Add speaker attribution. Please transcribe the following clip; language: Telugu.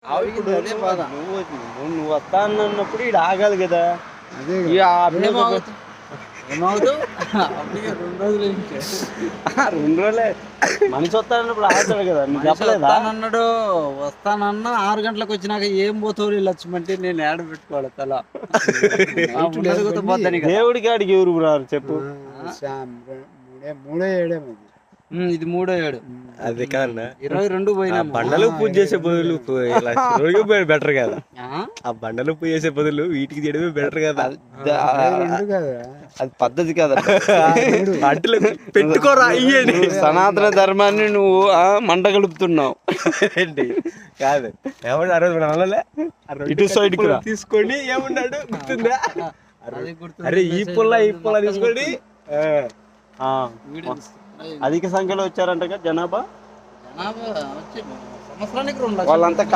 Speaker 1: నువ్వు వస్తా అన్నప్పుడు ఇక్కడ ఆగాలి కదా.
Speaker 2: ఏమవుతూ
Speaker 1: 2 రోజులే మనిషి వస్తానన్నప్పుడు ఆగుతాడు కదా. నువ్వు చెప్పలేదా?
Speaker 2: అన్నాడు వస్తానన్నా 6 గంటలకు వచ్చినాక ఏం పోతావు లక్ష్మంటే నేను ఏడ పెట్టుకోవాలి తల.
Speaker 1: దేవుడికి ఆడికి ఎవరు రారు చెప్పు.
Speaker 3: 3-7
Speaker 2: ఇది 3-7.
Speaker 4: అది కాదన్నా
Speaker 2: 22 పోయినా.
Speaker 4: బండలు పూజ చేసే బదులు బెటర్ కదా. ఆ బండలు పూజ చేసే బదులు వీటికి చేయడమే బెటర్ కదా.
Speaker 1: అది పద్ధతి కదా.
Speaker 4: అంటలు పెట్టుకోరా అయ్యేది.
Speaker 1: సనాతన ధర్మాన్ని నువ్వు మంట కలుపుతున్నావు.
Speaker 4: ఏంటి కాదు ఏమన్నా ఆ రోజు మన అన్నలే
Speaker 1: ఇటు సైడ్
Speaker 4: తీసుకొని ఏమన్నాడు గుర్తుందా? అరే ఈ పుల్ల తీసుకొని
Speaker 1: అధిక సంఖ్యలో వచ్చారంట జనాభా.
Speaker 2: సంవత్సరానికి 2
Speaker 1: వాళ్ళంతా